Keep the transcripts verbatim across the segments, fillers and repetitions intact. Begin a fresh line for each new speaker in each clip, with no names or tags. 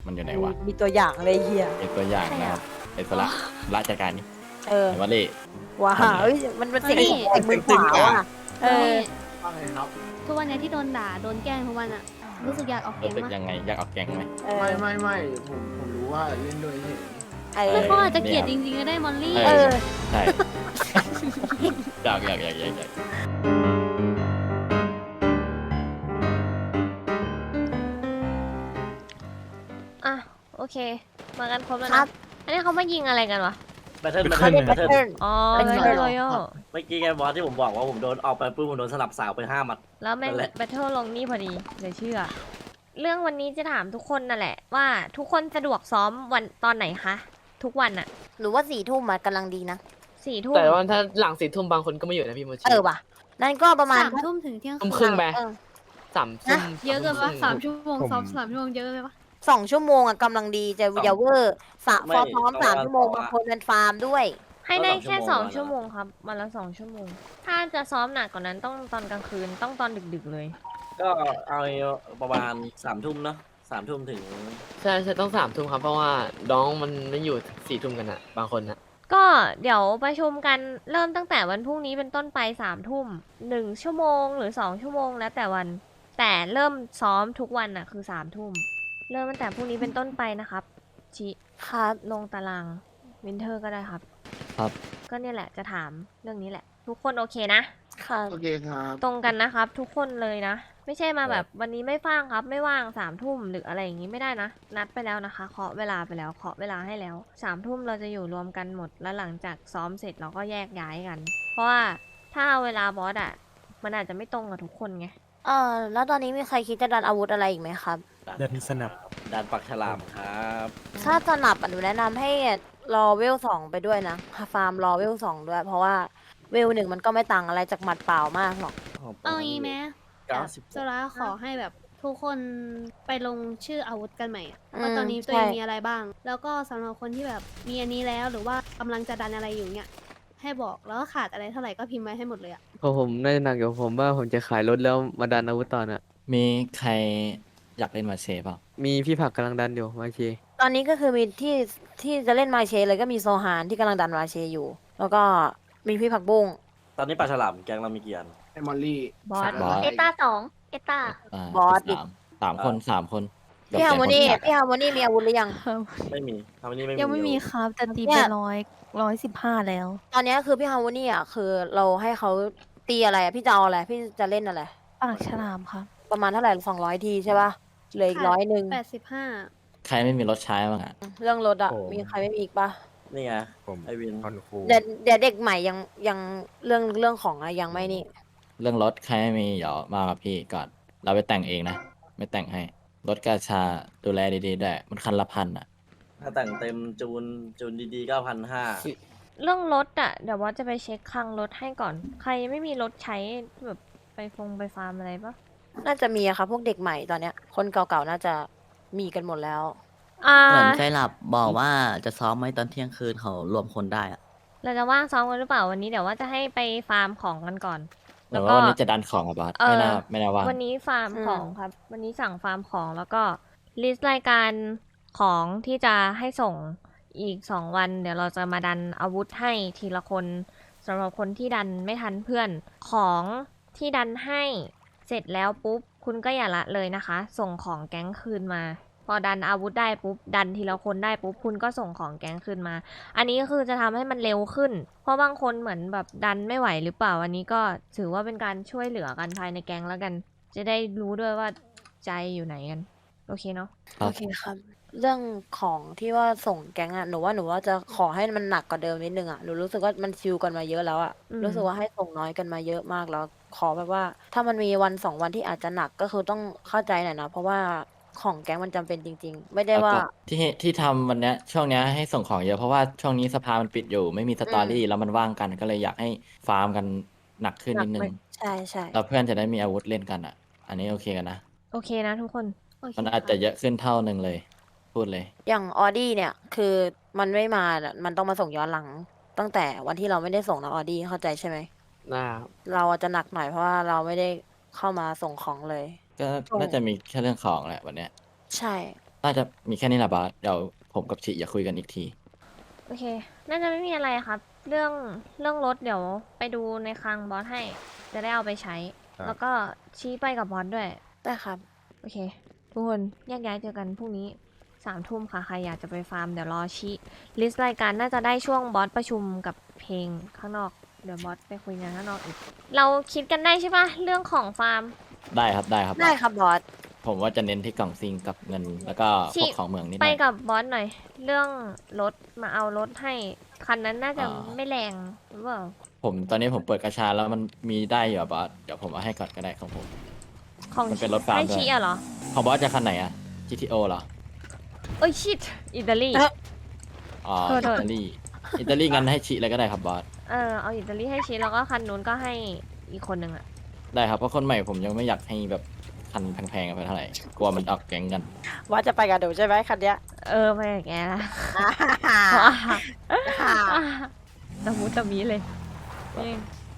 มันอยู่ไหนวะ
มีตัวอย่างเลยเฮีย
เป็นตัวอย่างนะครับไอ้สละละจัดการนี่
เออ
ไอ้วะเล่
ว้าเฮ้ยมันเป็นเสียง
เฮ้ย
ของแต่มือขวาว่ะเออ
ว่าไงครับ
ทุกวันเนี้ยที่โดนด่าโดนแกล้งทุกวันอะรู้สึกอยากออกแก
รู้
ง
สึก
มาก
ยังไงอยากออกแก๊งไหม
เออ
ไม่ไม่ไม่ผมผมรู้ว่าเล่นด้วยเฉย
เอ
แล้
อ
วเขาอาจจะเกลียดจริงๆก็ได้มอลลี่
เออ
ใช่ อยากอยากอยากอยากอยาก
อ่ะโอเค มากันครบแล้ว
ครั
นะ
บ
อันนี้เขามายิงอะไรกันวะ
แบทเทิลแบท
เขา
เทิล
เล่น
แบ
แบ
ท
ท
เทิล
เทิล
อ๋อ
เป็น
โย
ไง
โยโย่
เมื่อกี้ไงบอสที่ผมบอกว่าผมโดนออกไปปุ๊บผมโดนสลับสาวไปห้าหมัด
แล้วแม่ง
นั่นแหละ
แบทเทิลลงนี่พอดีเดี๋ยวเชื่อ เรื่องวันนี้จะถามทุกคนนั่นแหละ ว่าทุกคนสะดวกซ้อมวันตอนไหนคะ ทุกวันอะ
หรือว่าสี่ทุ่มอะกำลังดีนะ
สี่ทุ่ม
แต่ว่าถ้าหลังสี่ทุ่มบางคนก็ไม่อยู่นะพี่โมชิ
เออว่ะ นั่นก็ประมาณ
สามทุ่มถึงเที่ยง
ทุ่มค
คื
รึ่
น
งไป
เออ
สามทุ่ม
เยอะเกินปะสามชั่วโมง
ผม
ซ้อมสามชั่วโมงเยอะไปปะ
สองชั่วโมงอะกำลังดีจะอย่าเวอร์สะฟอร์ซ้อมสามชั่วโมงบางคนเป็นฟาร์มด้วย
ให้ได้แค่สองชั่วโมงครับวันละสองชั่วโมง ถ้าจะซ้อมหนักกว่านั้นต้องตอนกลางคืนต้องตอนดึกๆเลย
ก็เอาประมาณสามทุ่มเนาะสามทุ่มถึง
ใช่ใช่ต้องสามทุ่มครับเพราะว่าน้องมันไม่อยู่สี่ทุ่มกันอะบางคนอะ
ก็เดี๋ยวประชุมกันเริ่มตั้งแต่วันพรุ่งนี้เป็นต้นไปสามทุ่มหนึ่งชั่วโมงหรือสองชั่วโมงแล้วแต่วัน แต่เริ่มซ้อมทุกวันน่ะคือสามทุ่มเริ่มตั้งแต่พรุ่งนี้เป็นต้นไปนะครับชิ
ครับ
ลงตารางวินเทอร์ก็ได้ครับ
ครับ
ก็เนี่ยแหละจะถามเรื่องนี้แหละ ทุกคนโอเคนะ
ค่ะ
โอเคครับ
ตรงกันนะครับ ทุกคนเลยนะ ไม่ใช่มาแบบวันนี้ไม่ว่างครับ ไม่ว่างสามทุ่มหรืออะไรอย่างนี้ไม่ได้นะ นัดไปแล้วนะคะเคาะเวลาไปแล้วเคาะเวลาให้แล้วสามทุ่มเราจะอยู่รวมกันหมดแล้วหลังจากซ้อมเสร็จเราก็แยกย้ายกัน เพราะว่าถ้าเอาเวลาบอสอะมันอาจจะไม่ตรงกับทุกคนไง
เออแล้วตอนนี้มีใครคิดจะดันอาวุธอะไรอีกไหมครับ
เดินสนับ
ดันปักฉลามครับ
ถ้าจะหนับอะหนูแนะนำให้รอเวลสองไปด้วยนะฟาร์มรอเวลสองด้วย เพราะว่าเวลหนึ่งมันก็ไม่ต่างอะไรจากหมัดเปล่ามากหรอก
เอางี้ไหม
เก้าสิบ
โซล่าขอให้แบบทุกคนไปลงชื่ออาวุธกันใหม่อะ
อืม
ว่าตอนนี้ตัวเอง
ใช่
มีอะไรบ้าง แล้วก็สำหรับคนที่แบบมีอันนี้แล้วหรือว่ากำลังจะดันอะไรอยู่เนี่ยให้บอกแล้วก็ขาดอะไรเท่าไหร่ก็พิมพ์ไว้ให้หมดเลยอะ
พอผมน่าจะหนักอยู่ผมว่าผมจะขายรถแล้วมาดันอาวุธต่อน่ะ
มีใครอยากเล่นมาเชฟเปล่า
มีพี่ผักกำลังดันอยู่มาเช
ตอนนี้ก็คือมีที่ที่จะเล่นมาเชเลยก็มีโซฮานที่กำลังดันมาเชอยู่ แล้วก็มีพี่ผักบุ้ง
ตอนนี้ปลาฉลามแกงเรามีกี่อัน
ไอ้มอลลี่
บอส
บอส
เอต้าสองเอต้า
อ่า
บอสอีก
สามสามคนสามคน
พี่ฮาร์โมนี
ยก
พี่ฮาร์โมนีมีอาวุธหรือยัง
ไม่มีทำอันนี้ไม่มี
ยังไม่มีครับแต่ตี
เนี่
ไป
ย
ร้อยร้อยสิบห้าแล้ว
ตอนนี้คือพี่ฮาร์โมนีอ่ะคือเราให้เขาตีอะไรอะพี่จะเอาอะไร พี่จะเล่นอะไร
ปากฉลามครับ
ประมาณเท่าไหร่สองร้อยทีใช่ป่ะเหลืออีกร้อยหนึ่ง
แปดสิบห้า
ใครไม่มีรถใช้บ้างอ่ะ
เรื่องรถอ่ะ
โอ้
มีใครไม่มีอีกป่ะ
นี่ไง
ผม
ไอวิน
คอนฟู
เดี๋ยวเดี๋ยวเด็กใหม่ยังยังเรื่องเรื่องของอะยังไม่นี่
เรื่องรถใครไม่มีเดี๋ยวมากับพี่ก่อน เราไปแต่งเองนะ ไม่แต่งให้ รถกาชาดูแลดีๆด้วยมันคันละพันอ่ะ
ถ้าแต่งเต็มจูนจูนดีๆเก้าพันห้า
เรื่องรถอะเดี๋ยวบอสจะไปเช็คคลังรถให้ก่อน ใครไม่มีรถใช้แบบไปฟงไปฟาร์มอะไรปะ
น่าจะมีอะค่ะพวกเด็กใหม่ตอนเนี้ย คนเก่าๆน่าจะมีกันหมดแล้ว
อ่า
เหมือนไซรับบอกว่าจะซ้อมไว้ตอนเที่ยงคืนเขารวมคนได้อะ
เราจะว่างซ้อมกันหรือเปล่าวันนี้เดี๋ยวว่าจะให้ไปฟาร์มของกันก่อน
หรือว่าวันนี้จะดันของกับบอส
เออ
ไม่น่าไม่น่าว่าง
วันนี้ฟาร์ม
อืม
ของครับ วันนี้สั่งฟาร์มของแล้วก็ลิสต์รายการของที่จะให้ส่งอีกสองวัน เดี๋ยวเราจะมาดันอาวุธให้ทีละคนสำหรับคนที่ดันไม่ทันเพื่อนของที่ดันให้เสร็จแล้วปุ๊บคุณก็อย่าละเลยนะคะ ส่งของแก๊งคืนมา พอดันอาวุธได้ปุ๊บดันทีละคนได้ปุ๊บคุณก็ส่งของแก๊งคืนมา อันนี้ก็คือจะทำให้มันเร็วขึ้น เพราะบางคนเหมือนแบบดันไม่ไหวหรือเปล่า อันนี้ก็ถือว่าเป็นการช่วยเหลือกันภายในแก๊งแล้วกัน จะได้รู้ด้วยว่าใจอยู่ไหนกัน โอเคเนาะ
ครับ
โอเคครับ เรื่องของที่ว่าส่งแก๊งอะหนูว่าหนูว่าจะขอให้มันหนักกว่าเดิมนิดนึงอะหนูรู้สึกว่ามันชิวกันมาเยอะแล้วอะ
อืม
รู้สึกว่าให้ส่งน้อยกันมาเยอะมากแล้ว ขอแบบว่า ถ้ามันมีวันสองวันที่อาจจะหนักก็คือต้องเข้าใจหน่อยนะเพราะว่าของแก๊งมันจำเป็นจริง ๆ ไม่ได้ว่า
แล้วก็ที่ที่ทำวันเนี้ยช่วงเนี้ยให้ส่งของเยอะเพราะว่าช่วงนี้สภามันปิดอยู่ ไม่มีสตอรี่แล้วมันว่างกันก็เลยอยากให้ฟาร์มกันหนักขึ้น
หนั
นิดนึ
ไหม
ง
ใช่ใช่
แล้วเพื่อนจะได้มีอาวุธเล่นกันอ่ะ อันนี้โอเคกันนะ
โอเคนะทุกคน
โอเค
มันอาจจะเยอะขึ้นเท่าหนึ่งเลย พูดเลย
อย่างออดี้เนี่ยคือมันไม่มาอะมันต้องมาส่งย้อนหลัง ตั้งแต่วันที่เราไม่ได้ส่งนะออดี้เข้าใจใช่ไหม
นะครับ
เราอาจจะหนักหน่อยเพราะว่าเราไม่ได้เข้ามาส่งของเลย
ก็น่าจะมีแค่เรื่องของแหละวันเนี้ย
ใช่
น่าจะมีแค่นี้แหละบอสเดี๋ยวผมกับชิอย่าคุยกันอีกที
โอเค น่าจะไม่มีอะไรครับ เรื่องเรื่องรถเดี๋ยวไปดูในคลังบอสให้ จะได้เอาไปใช้ แล้วก็ชี้ไปกับบอสด้วย
ได้ครับ
โอเค ทุกคนแยกย้ายเจอกันพรุ่งนี้สามทุ่มค่ะ ใครอยากจะไปฟาร์มเดี๋ยวรอชี้ลิสต์รายการน่าจะได้ช่วงบอสประชุมกับเพลงข้างนอก เดี๋ยวบอสไปคุยงานข้างนอกอีก เราคิดกันได้ใช่ปะเรื่องของฟาร์ม
ได้ครับได้ครับ
ได้ครับบอส
ผมว่าจะเน้นที่กล่องซิงกับเงิน แล้วก็พ
ชิ
วกของเหมืองนิดห
ไป
น่อย
กับบอสหน่อย เรื่องรถมาเอารถให้ คันนั้นน่าจะ
อ่า
ไม่แรงหรือเปล่า
ผมตอนนี้ผมเปิดกระชาแล้วมันมีได้อยู่อะบอสเดี๋ยวผมเอาให้ก่อนก็ได้ของผม
ของ
มันเป็นรถฟาร์ม
ให้
ด้วย
ชี้อะเหรอ
ของบอสจะคันไหนอะ จี ที โอ เหรอ
เอ้ยชิตอิตาลี
เอ๊ะ
อ๋อ
โทษ
อิตาลีอิตาลีงั้นให้ชิเลยก็ได้ครับบอส
เออเอาอิตาลีให้ชี้แล้วก็คันนู้นก็ให้อีกคนหนึ่งอะ
ได้ครับเพราะคนใหม่ผมยังไม่อยากให้แบบคันแพงๆไปเท่าไหร่กลัวมันออกแก๊งกัน
ว่าจะไปกับหนูใช่ไหมคันเนี้ย
เออไปกับแกละ ตะมูตะมีเลยนี่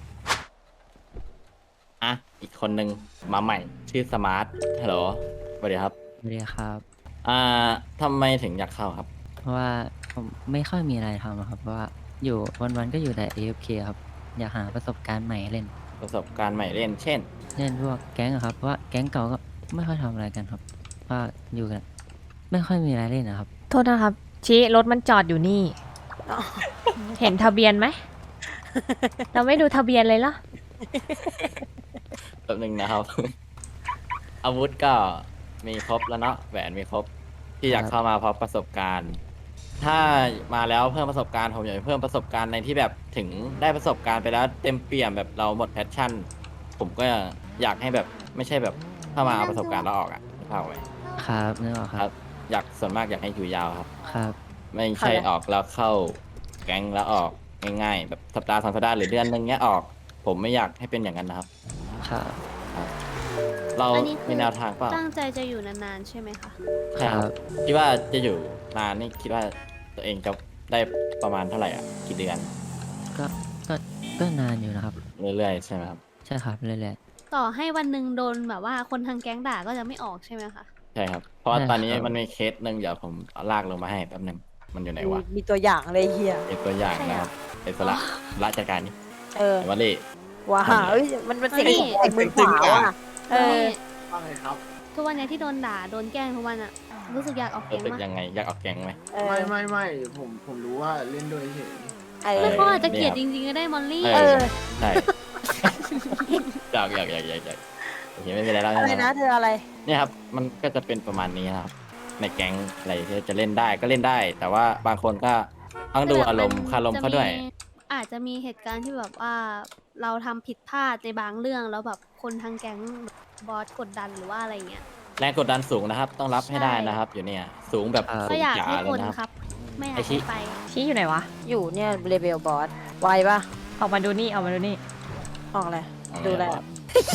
อ่ะอีกคนนึงมาใหม่ชื่อสมาร์ทฮัลโหลสวัสดีครับ
สวัสดีครับ
อ่าทำไมถึงอยากเข้าครับ
เพราะว่าผมไม่ค่อยมีอะไรทำอะครับ เพราะว่าอยู่วันๆก็อยู่แต่ เอ เอฟ เค ครับ อยากหาประสบการณ์ใหม่เล่น
ประสบการณ์ใหม่เล่น เช่น
เล่นพวกแก๊งอะครับ เพราะว่าแก๊งเก่าก็ไม่ค่อยทำอะไรกันครับเพราะว่าอยู่กันไม่ค่อยมีอะไรเล่นนะครับ
โทษนะครับ ชี้รถมันจอดอยู่นี่ เห็นทะเบียนไหม เราไม่ดูทะเบียนเลยเหรอ
แป๊บนึงนะครับ อาวุธก็มีครบแล้วเนาะแหวนมีครบที่อยาก
ครับ
เข้ามาเพราะประสบการณ์ ถ้ามาแล้วเพิ่มประสบการณ์ผมอยากให้เพิ่มประสบการณ์ในที่แบบถึงได้ประสบการณ์ไปแล้วเต็มเปี่ยมแบบเราหมดแพชชั่น ผมก็อยากให้แบบไม่ใช่แบบเข้ามาเอาประสบการณ์แล้วออกอะเข้าไว้
ครับนึกออกค
ค
รั
รับ บ อยากส่วนมากอยากให้อยู่ยาวครับ
ครับ
ไม่ใช่ออกแล้วเข้าแก๊งแล้วออกง่ายๆ แบบสัปดาห์สองสัปดาห์หรือเดือนนึงเนี้ยออก ผมไม่อยากให้เป็นอย่างนั้นนะครับ
ครับ
เรา
อันนี้คือ
มีแนวทางเปล่า
ตั้งใจจะอยู่นานๆใช่ไหมคะ
ใช่ครับคิดว่าจะอยู่นานนี่คิดว่าตัวเองจะได้ประมาณเท่าไหร่อ่ะกี่เดือน
ก็ก็ก็นานอยู่นะครับ
เรื่อยๆใช่ไหมครับ
ใช่ครับเรื่อย
ต่อให้วันหนึ่งโดนแบบว่าคนทางแก๊งด่าก็จะไม่ออกใช่ไหมคะ
ใช่ครับ เพราะว่า
ใช่
ตอนนี้
ครับ
มันมีเคสหนึ่งเดี๋ยวผมเอาลากลงมาให้แป๊บหนึงมันอยู่ไหนวะ
มีตัวอย่างเลยเฮีย
เป็นตัวอย่างนะครับเป็นสละละจัดการนี่
เออ
แต่ว่าเล่
ว้า
ทำไง
เอ้ยมันมันเสียง
นี่
เสียงมือขวาว่ะเออ
ว่าไงครับ
ทุกวันเนี้ยที่โดนด่าโดนแกล้งทุกวันอะรู้สึกอยากออก
รู้
แก๊ง
สึก
มาก
ยังไงอยากออกแก๊งไหม
เออ
ไม่ไม่ไม่ผมผมรู้ว่าเล่นด้วยเฉย
เอ
เอ
อ
แล้วเขาอาจจะเกลียดจริงๆก็ได้มอลลี่
เอ
เอ
อ
อ
ใช่ อยากอยากอยากอยากอยากโอเคไม่เป็นไรแล้ว
อะไรนะเธออะไร
เนี่ยครับมันก็จะเป็นประมาณนี้นะครับ ในแก๊งอะไรที่จะเล่นได้ก็เล่นได้ แต่ว่าบางคนก็ต้องดูอารมณ์คารมเขาด้วย
จะมีอาจจะมีเหตุการณ์ที่แบบว่าเราทำผิดพลาดในบางเรื่องแล้วแบบคนทางแก๊งบอสกดดันหรือว่าอะไรเงี้ย
แรงกดดันสูงนะครับ ต้องรับให้ได้นะครับ อยู่เนี่ย สูงแบบ
ครับ
สู
ก็
ง
อยาก
จ๋า
ให้
เล
ค
ย
น
นะครับ
ครับ ไม่อยา
ไอ้
ก
ชิ
ให้ไป
ชี้อยู่ไหนวะ
อยู่เนี่ยเลเวลบอสไวปะ
ออกมาดูนี่ออกมาดูนี่
ออกเลย
เอาไง
ดูแล
บอส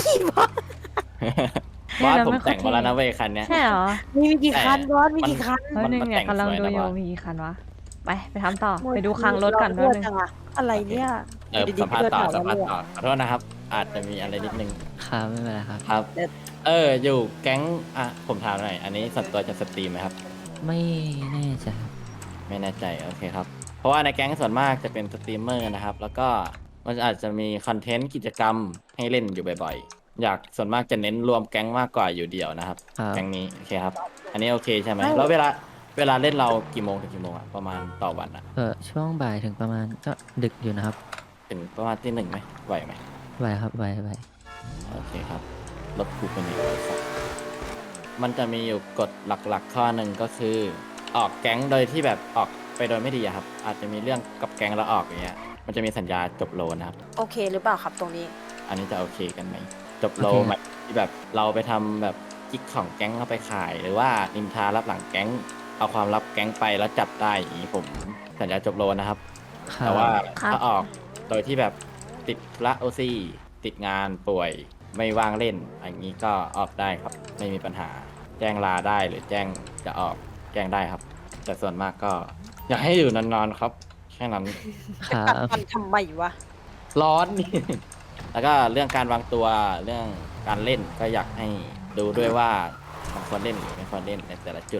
บอสผมแต่งมาแล้วนะเว้ยคันเนี้ย
ใช่เหรอ
มีมีกี่คันบอสมี
มัน
กี่คัน
เฮ้ยหนึ่ง
มัน
เนี่ย
แต่ง
กำลัง
สวย
ดู
นะ
อยู่
บอส
มีกี่คันวะ ไปไปทำต่อ ไปดูคลังรถก่อนแป๊บนึง
จังอะอะไรเนี่ย
เออ
อยู่ดีๆ
สัมภาษณ์ต่อ
เพื่
สั
อน
มภาษณ์
ถาม
ต่อ
ว่า
ขอโทษนะครับ อาจจะมีอะไรนิดนึง
ๆครับไม่เป็นไรครับ
ครับ
เด็ด
เออ อยู่แก๊งอ่ะผมถามหน่อย อันนี้ส่วนตัวจะสตรีมไหมครับ
ไม่แน่ใจครับ
ไม่แน่ใจโอเคครับ เพราะว่าในแก๊งส่วนมากจะเป็นสตรีมเมอร์นะครับ แล้วก็มันอาจจะมีคอนเทนต์กิจกรรมให้เล่นอยู่บ่อยๆ อยากส่วนมากจะเน้นรวมแก๊งมากกว่าอยู่เดี่ยวนะครับ
ครับ
แก๊งนี้โอเคครับ อันนี้โอเคใช่ไหมแล้วเวลาเวลาเล่นเรากี่โมงถึงกี่โมงอะประมาณต่อวันอะ
เออช่วงบ่ายถึงประมาณก็ดึกอยู่นะครับ
ถึงประมาณที่หนึ่งไหมไหวไหม
ไหวครับไหวไหว
โอเคครับรถกูเป็นยังไงครับมันจะมีอยู่กฎหลักๆ ข้อหนึ่งก็คือ ออกแก๊งโดยที่แบบออกไปโดยไม่ดีอะครับ อาจจะมีเรื่องกับแก๊งแล้วออกอย่างเงี้ยมันจะมีสัญญาจบโลนะครับ
โอเคหรือเปล่าครับตรงนี้
อันนี้จะโอเคกันไหมจบโลหมายที่แบบเราไปทำแบบกิ๊กของแก๊งเอาไปขาย หรือว่านินทารับหลังแก๊งเอาความลับแก๊งไปแล้วจับได้อย่างนี้ผมสัญญาจบโลนะครับ
ครับ
แต่ว่า
ครับ
ถ้าออกโดยที่แบบติดละโอซีติดงานป่วยไม่ว่างเล่นอย่างนี้ก็ออกได้ครับ ไม่มีปัญหา แจ้งลาได้หรือแจ้งจะออกแจ้งได้ครับ แต่ส่วนมากก็ อยากให้อยู่นานๆครับแค่นั้น
ครับ
มันทำไมวะ
ร้อน แล้วก็เรื่องการวางตัวเรื่องการเล่นก็อยากให้ดูด้วยว่ามันควรเล่นหรือไม่ควรเล่นในแต่ละจุด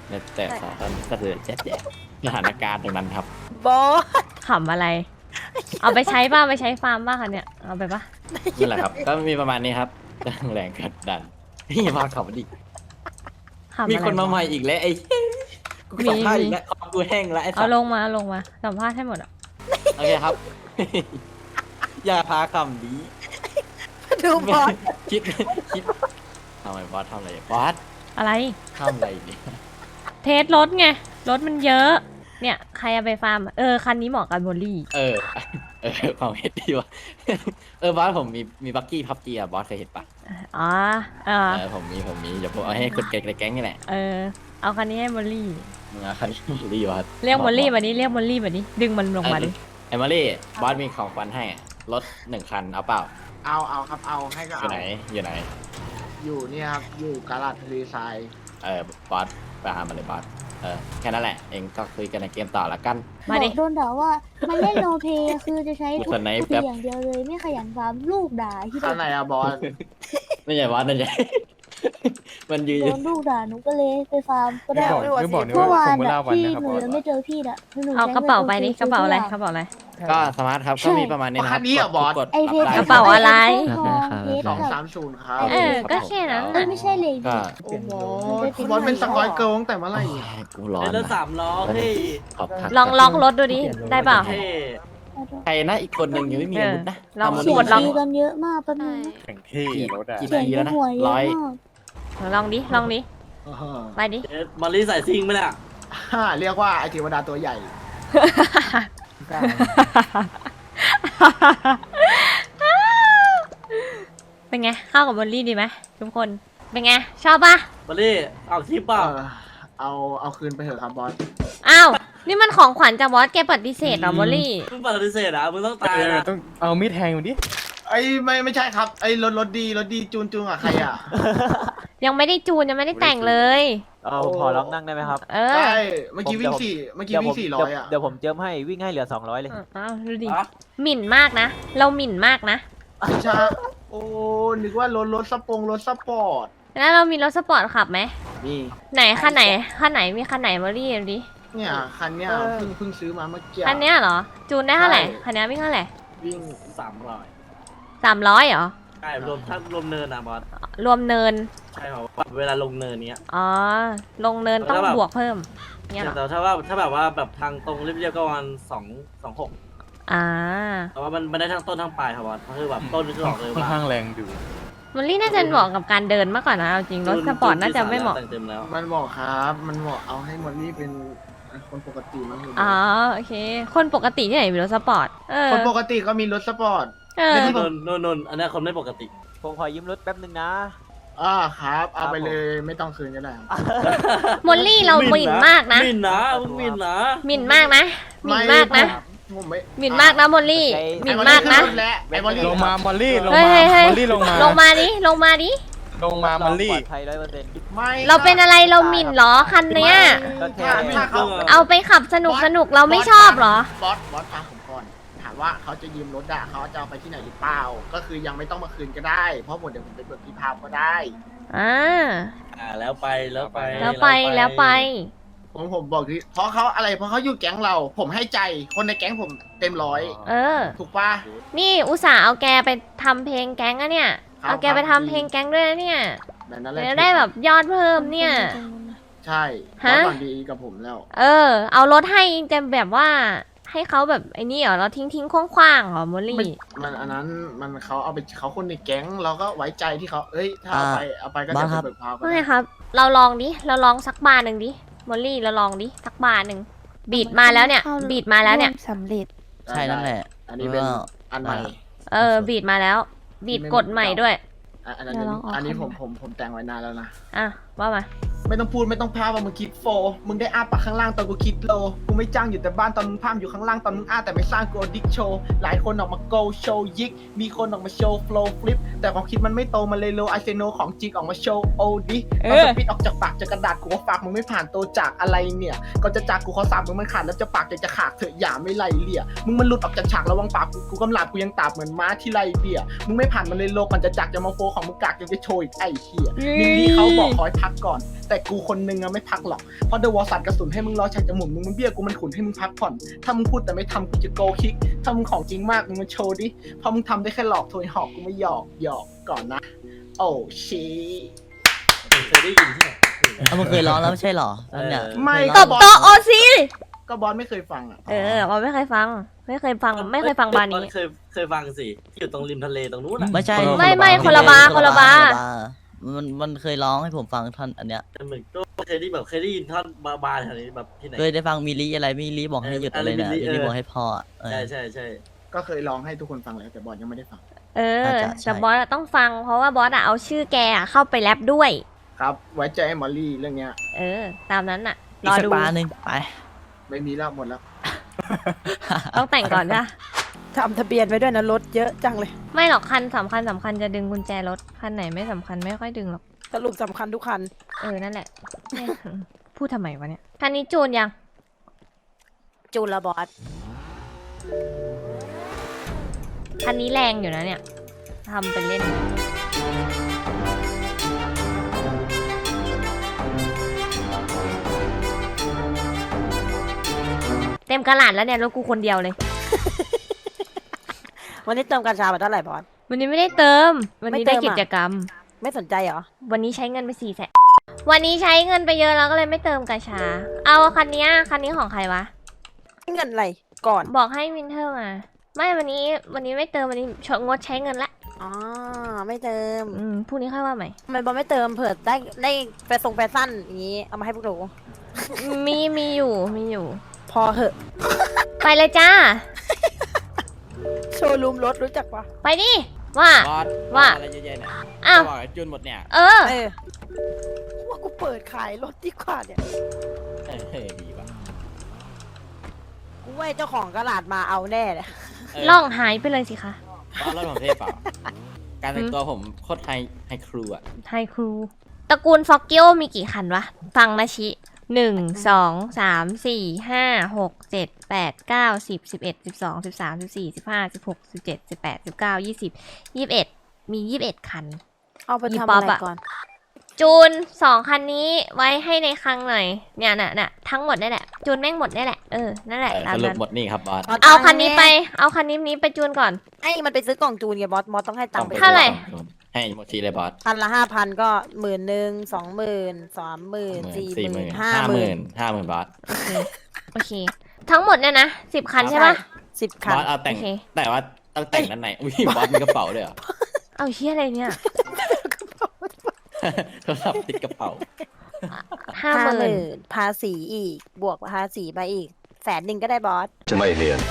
แต่สอนก็คือแจ๊บแจ๊บสถานการณ์ตรงนั้นครับ
บอส
ขำอะไร เอาไปใช้ป่ะไปใช้ฟาร์มป่ะคะเนี่ย เอาไปป่ะ
นั่นแหละครับ ก็มีประมาณนี้ครับแรงกดดันพี่มาขับดิ
ขำอะไร
มีคนมาใหม่อีกแล้วไอ้กูสัมภาษณ์อีกแล้วคอกูแห้งแล้วไอ้สั
เอา
ส
ลงมาเอาลงมาสัมภาษณ์ให้หมดอ่ะ
โอเคครับ อย่าพาคำดี
ดูบอส
คิดคิดทำไมบอสทำอะไรบอส
อะไร
ทำอะไรเนี่ย
เทสรถไง รถมันเยอะ เนี่ย ใครเอาไปฟาร์ม เออ คันนี้เหมาะกับโมลี่
เออ เออความเห็นดีว่ะ เออบอสผมมีมีบักกี้พับเจียบอสเคยเห็นปะ
อ๋อเออ
เออผมมีผมมีเดี๋ยวผมเอาให้คนแก๊งในแก๊งนี่แหละ
เออ เอาคันนี้ให้โมลี่
มึงเอาคันนี้รีบอส
เรียกโมลี่มาดิเรียกโมลี่มาดิดึงมันลงมาดิ
ไอ้มารี่บอสมีของขวัญให้รถหนึ่งคันเอาเปล่า
เอาเอาครับเอาให้ก็
อ
เอา
ยู่ไหนอยู่ไหน
อยู่เนี่ยครับอยู่กาลาดทะเลทราย
เออบอสไปหามาเลยบอสเออแค่นั้นแหละเองก็คุยกันในเกมต่อละกัน
มาดิ
โดนด่าว่ามันเล่นโนเพย์คือจะใช้ทุก
คนไหน
ทุก
แป๊บ
อย่างเดียวเลยไม่ขยันฟาร์มลูกด่าที่
ข้างในอะบอส
ไม่ใช่บอสนั่นใช่ มันยืน
โดนลูกด่าหนูก็เลยไปฟาร์มก็ได้
ไม่บอก
เมื่อวานอะที่หนูยังไม่เจอพี่อะหนู
เอา
ใช้
กระเป๋าไปดิ
งิน
กระเป๋าอะไร
ซื้
กระเป๋าอะไร
ก็สมาร์ทครับก็มีประมาณนี้นะครับ
คันนี้เหรอบอส
กด
ไอเพ
รับ
ชร
ได้
กระเป๋าอะไร
ทองเพชร
สอง
กับ
สามศูนย์ครับ
เออ ก็แค่นั้น
เอ้
น่ะ
ยไม่ใช่เลย
ก็
โอ้โหบอสเป็นสกอยเกิร์ลตั้งแต่เมื่อไหร่เนี่ย
กูร้อน
เป็นรถ
นะ
สามล้อเฮ้ย
ขอบคุณ
ลองลองรถดูดิ ได้เปล่า
เท่
ใครนะอีกคนหนึ่งยังไม่มีอาวุธนะ
เออลอง
ทำมัน
เสีย
ก
ง
ดลอง
ตีกันเยอะมากแป๊บนึง
กี่กี่
เสีย
นาง ที
ใน
แล้วนะ
หัวเยอะ
ร้อย
มาก
ลองดิ ลองดิ
เออ
ไปดิ
เอ๊ะมอลลี่ใส่ซิงไหมเนี่ย
ฮ่าเรียกว่าไอเทวดาตัวใหญ่
เป็นไง เข้ากับโมลี่ดีไหมทุกคน เป็นไง ชอบปะ
มอลลี่เอาคลิปเปล่า
เออเอาเอาคืนไปเถอะครับบอส
อ้าว นี่มันของขวัญจากบอสแกปฏิเสธเหรอโมลี่
มึงปฏิเสธอ่ะมึงต้องตายนะ
ต้องเอามีดแทงมันดิ
ไอ้ไม่ไม่ใช่ครับไอ้รถรถดีรถดีจูนจูนอะใครอะ
ยังไม่ได้จูนยังไม่ได้แต่งเลย
เอาขอลองนั่งได้ไหมครับ
เออ
ใช่เมื่อกี้วิ่งสี่เมื่อกี้วิ่งสี่ร้อยอะ
เดี๋ยวผมเจิมให้วิ่งให้เหลือสองร้อยเลย
อ้าวดูดิ
อ่ะ
หมิ่นมากนะ เราหมิ่นมากนะ
ใช่โอ้นึกว่ารถรถสปงรถสปอร์ต
แล้วเรามีรถสปอร์ตขับไหม
นี่
ไหนคันไหนคันไหนมีคันไหนโมลี่ดูดิ
เนี่ยคันเนี้ยเพิ่งเพิ่งซื้อมาเมื่อกี้
คันเนี้ยเหรอ จูนได้เท่าไหร่
ใช่
คันเนี้ยวิ่งเท่าไหร่
วิ่ง
สามร้อย
สามร้อยเหรอ
ใช่รวมถ้ารวมเนินนะบอส
รวมเนิน
ใช่ครับเวลาลงเนินเนี้ย
อ๋อ ลงเนินต้อง
แล้วแบบ
บวกเพิ่มเนี่ยเหรอ
แต่ถ้าว่าถ้าแบบว่าแบบทางตรงเรียบๆก็ประมาณสองสองหก
อ่า
แต่ว่ามันไม่ได้ทั้งต้นทั้งปลายครับบอสก็คือแบบต้นคือออกเลย
ค่อน
ว่า
ข้างแรงดู
มอลลี่น่าจะเหมาะกับการเดินมากกว่านะเอาจริงรถสปอร์ตน่าจะไม่เหมาะ
แต่งเต็มแล้ว
มันบอกครับ มันบอกเอาให้มอลลี่เป็นคนปกติมั้ง
อ๋อโอเค คนปกติที่ไหนมีรถสปอร์ต เออ
คนปกติก็มีรถสปอร์ต
เออ
นนนนนอันนี้คนไม่ปกติ
ผมขอยืมรถแป๊บนึงนะ
อ่าครับ เอาไป
ครับผม
เลยไม่ต้องคืนก็ได้ครับ
มอลลี่เราหมิ่นมากนะ
หมิ่นนะมึงหมิ่นนะ
หมิ่นมากนะ หมิ่นมากนะ
ผมไม่
หมิ่นมากนะมอลลี่
ใจ
หมิ่นมากนะ
ไอ้มอลลี่
ลงมามอลลี่ ลง
เฮ้ย
มา
เฮ้ยเฮ้ย
มอลลี่ลงมา
ลงมาดิ ลงมาดิ
ลงมามอลลี่
ปลอดภัยร้อยเปอร์เซ็นต์
ไม่
เราเป็นอะไรเราหมิ่นเหรอคันเนี้ย
ก็แค่
ถ้าถ้าเขา
เอาไปขับสนุกสนุกเราไม่ชอบเหรอ
บอสบอสฟังผมก่อนถามว่าเขาจะยืมรถอะเขาจะเอาไปที่ไหนหรือเปล่า ก็คือยังไม่ต้องมาคืนก็ได้ เพราะผมเดี๋ยวผมไปเบิกที่พาวก็ได้
อ่า
อ่าแล้วไปแล้วไป
แล้วไปแล้วไป
ผมผมบอกที่เพราะเขาอะไรเพราะเขาอยู่แก๊งเรา ผมให้ใจคนในแก๊งผมเต็มร้อย
เออ
ถูกปะ
นี่อุตส่าห์เอาแกไปทำเพลงแก๊งอะเนี่ย
ครับ
เอาแกไปทำเพลงแก๊งด้วยนะเนี่ย
แบบนั้นแหละ
จะได้แบบยอดเพิ่มเนี่ย
ใช่
ฮะ
เขาหวังดีกับผมแล้ว
เออ เอารถให้จะแบบว่าให้เขาแบบไอ้นี่เหรอเราทิ้งทิ้งๆคว้างๆเหรอมอลลี่
มันอันนั้นมันเขาเอาไปเขาคนในแก๊งเราก็ไว้ใจที่เขาเอ้ยถ้าเอาไปเอาไปก็
บอ
จะ
สครับ
ไปเบิกพาวก็
ไม่
ได้
ครับ เราลองดิ เราลองสักบาร์หนึ่งดิ มอลลี่เราลองดิ สักบาร์หนึ่ง บีดมาแล้วเนี่ย บีดมาแล้วเนี่ย
สำเร็จ
ใช่นั่นแหละ
อันนี้เป็น
ว่า
อันใหม่
เออ บีดมาแล้ว บีดกดใหม่ด้วย
อ่ะอันนั้น
เดี๋ยวลองออก
อันนี้
ให้
ผม
หน่อย
ผมผมแต่งไว้นานแล้วนะ
อ่ะ ว่ามา
ไม่ต้องพูดไม่ต้องพาว่ามึงคิดโฟ มึงได้อ้าปากข้างล่างตอนกูคิดโล กูไม่จ้างอยู่แต่บ้านตอนมึงพามอยู่ข้างล่างตอนมึงอ้าแต่ไม่สร้างกูดิกโชว์ หลายคนออกมาโกโชว์ยิก มีคนออกมาโชว์โฟล์ฟลิป แต่ความคิดมันไม่โตมันเลยโลไอเซโนของจริงออกมาโชว์โอดิตอนสปิดออกจากปากจากกระดาษกูว่าฝากมึงไม่ผ่านโตจากอะไรเนี่ยก่อนจะจากกูขอสามมึงมันขาดแล้วจะปากจะจะขาดเถอะอย่าไม่ไล่เลี่ย มึงมันหลุดออกจากฉากระวังปากกูกูกำลาบกูยังตาบเหมือนม้าที่ไล่เบี้ย มึงไม่ผ่านมันเลยโลก่อนจะจากจะมาโฟของมึงกากยังจะโชว์อีกไอ้เหี้ยมินนี่เขาบอกขอให้พักก่อนแต่แต่กูคนนึงอะไม่พักหรอกเพราะเดอะวอลสัตว์กระสุนให้มึงรอฉากจะหมุนมึงมันเบี้ยกูมันขุนให้มึงพักผ่อนถ้ามึงพูดแต่ไม่ทำกูจะโกคิกถ้ามึงของจริงมากมึงมาโชว์ดิเพราะมึงทำได้แค่หลอกโทยหอกกูไม่หยอกหยอกก่อนนะโอ้ชี
เคยได้ยินที่ไหน
เอามันเคยร้องแล้วไม่ใช่หรอตอนเนี้ย
ไม่
ตบโต๊ะโอซี
ก็บอสไม่เคยฟังอ่ะ
เออเราไม่เคยฟัง ไม่เคยฟังไม่เคยฟังบาร์นี้
เคยเคยฟังสิที่อยู่ตรงริมทะเลตรงนู้นอ่ะ
ไม่ใช่
ไม่ไม่คนละบาร์คนละบาร์
มันมันเคยร้องให้ผมฟังท่อนอันเนี้ย
แต่เหมือนก็เคยได้แบบเคยได้ยินท่อนบาบาแถวนี้แบบที่ไหน
เคยได้ฟังมิลลิอะไรมิลลิบอกให้หยุดอะไรเนี่ยมิลลิบอกให้พออะเออ
ใช่ใช่ใช่
ก็เคยร้องให้ทุกคนฟังแล้วแต่บอสยังไม่ได้ฟัง
เออ
น่าจะใช่
แต่บอสอะต้องฟังเพราะว่าบอสอะเอาชื่อแกอะเข้าไปแรปด้วย
ครับไว้ใจไอ้มอลลี่เรื่องเนี้ย
เออ ตามนั้นอะร
อีก
อ
สัก
ดู
บาร์หนึ่งไป
ไม่มีแล้วหมดแล้ว
ต้องแต่งก่อนจ้ะ
ทำทะเบียนไว้ด้วยนะรถเยอะจังเลย
ไม่หรอกคันสำคัญสำคัญจะดึงกุญแจรถคันไหนไม่สำคัญไม่ค่อยดึงหรอก
สรุปสำคัญทุกคัน
เออนั่นแหละแม่งพูดทำไมวะเนี่ยคันนี้จูนยัง
จูนละบอส
คันนี้แรงอยู่นะเนี่ยทำเป็นเล่นเต็มกระหลาดแล้วเนี่ยรถกูคนเดียวเลย
วันนี้เติมกัญชาไปเท่าไหร่บอส
วันนี้ไม่ได้เติม วันนี้
ไม่เติ
ได้
มอะ
กิจกรรม
ไม่สนใจเหรอ
วันนี้ใช้เงินไปสี่แสนวันนี้ใช้เงินไปเยอะแล้วก็เลยไม่เติมกระชา เอาคันนี้คันนี้ของใครวะ
เงินอะไรก่อน
บอกให้วินเทอร์มา ไม่วันนี้วันนี้ไม่เติมวันนี้ชดงดใช้เงินละ
อ๋อ ไม่เติม
อืมพรุ่งนี้ค่อยว่าใหม่
ทำไมบอสไม่เติมเผื่อได้ได้แฟชั่นแฟชั่นอย่างนี้ เอามาให้พวกหนู
มีมีอยู่มีอยู่
พอเหอะ
ไปเลยจ้า
โชว์รูมรถรู้จักปะ
ไปดิว่า
บอส
ว่า
อะไรเยอะแยะเนี่ย
อ้าว
จะบอกให้จุนหมดเนี่ย
เออ
เออว่ากูเปิดขายรถดีกว่าเนี่ย
เฮ้ยดีว่ะ
กูว่าไอ้เจ้าของกระดาษมาเอาแน่เลย
เออ
ล่องหายไปเลยสิคะ
บอสรถผมเท่เปล่า การแต่งตัวผมโคตรไฮไฮครูอ่ะ
ไฮครูตระกูลฟอกเกิลมีกี่คันวะ ฟังนะชิหนึ่งสองสามสี่ห้าหกเจ็ดแปดเก้าสิบสิบเอ็ดสิบสองสิบสามสิบสี่สิบห้าสิบหกสิบเจ็ดสิบแปดสิบเก้ายี่สิบยี่สิบเอ็ดมียี่สิบเอ็ดคัน
เอาไป
อี
ทำ
ป๊อ
อะ
ป
ไร
อะ
ก่อน
จูนสองคันนี้ไว้ให้ในคลังหน่อยเนี่ยน่ะน่ะทั้งหมดนี่แหละ จูนแม่งหมดนี่แหละเออนั่นแหละ
เออ
ตาม
สรุป
นั้น
หมดนี่ครับบอส
เอาคันนี้ไปเอาคันนี้นี้ไปจูนก่อน
ให้มันไปซื้อกล่องจูนไงบอสบอสต้องให้ตังค์ไป
เท่าไหร่
ให้หมดทีเลยบอส
พันละห้าพันก็หมื่นหนึ่งสองหมื่นสามหมื่นสี่ห
สี่ห
มื่
มื่
น
น
ห้า
ห้า
ห
ห
มื่
มื่
น
นห้าหมื่นบอส
โอเคโอเค ทั้งหมดเนี่ยนะสิบคันใช่ปะ
สิบ
บ
คัน
อสเอาแต่ง
โอเค
แต่ว่าต้องแต่งด้านในอุ้ยบอสมีกระเป๋าด้วยเหรอ
เอาเฮียอะไรเนี่ย
โทรศัพท์ติดกระเป๋า
ห้า
ห้า
ห
ห
มื่น
มื่นภาษีอีก บวกภาษีไปอีกแสนหนึ่งก็ได้บอส
ไม่เรียน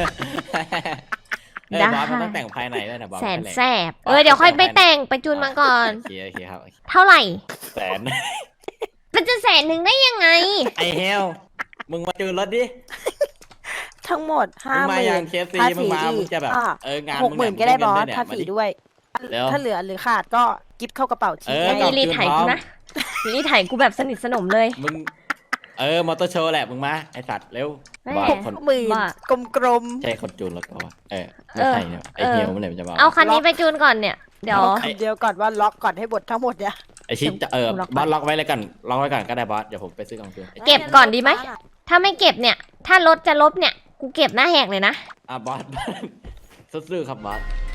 ได้
บอสมันต้องแต่งภายในด้วยนะบอส
แสน
ภายใน
แสบเออเดี๋ยวค่อยไปแต่งไปจูนมาก่อน
โอเคโอเคครับ
เท่าไหร่
แสน
มันจะแสนหนึ่งได้ยังไง
ไอเฮลมึงมาจูนรถดิ
ทั้งหมดห้า
มึง
ห
มา
มื่
อย่าง
น
เคฟซี
ภา
มึง
ษี
มา
อี
มึง
ก
จะแบบ
อ่ะ
เอองาน
หกหมื่น
ง
ก็ได้
ง
บอส
เงิน
ภาษี
เดือน
ด้วย
เร็ว
ถ้าเหลือหรือขาดก็กิฟต์เข้ากระเป๋าที
เออ
ไอ้
กล่อง
รี
จูน
ไถ
พร้อ
กู
ม
นะรีไถกูแบบสนิทสนมเลย
มึงเออมอเตอร์โชว์แหละมึงมาไอสัตว์เร็ว
แม่
บอส
หก
คน
หมื่น
บ้า
กลม
ใช่คนจูนรถปะวะเออไม่ใช่เนี่ยไอ
เออ
เฮลมันเลยมันจะบอก
เอาคันนี้ไปจูนก่อนเนี่ย เดี๋ยว
ๆคำเดียวก่อนว่าล็อกก่อนให้บททั้งหมดเนี่ย
ไอชิ้นจะเออ
ล็อกไว้
บอสล็อกไว้เลยกันล็อกไว้ก่อนก็ได้บอสเดี๋ยวผมไปซื้อกล่องจูน
เก็บก่อนดีไหม ถ้าไม่เก็บเนี่ย ถ้ารถจะลบเนี่ย กูเก็บหน้าแหกเลยนะ
อ่ะบอส สู้ๆครับบอส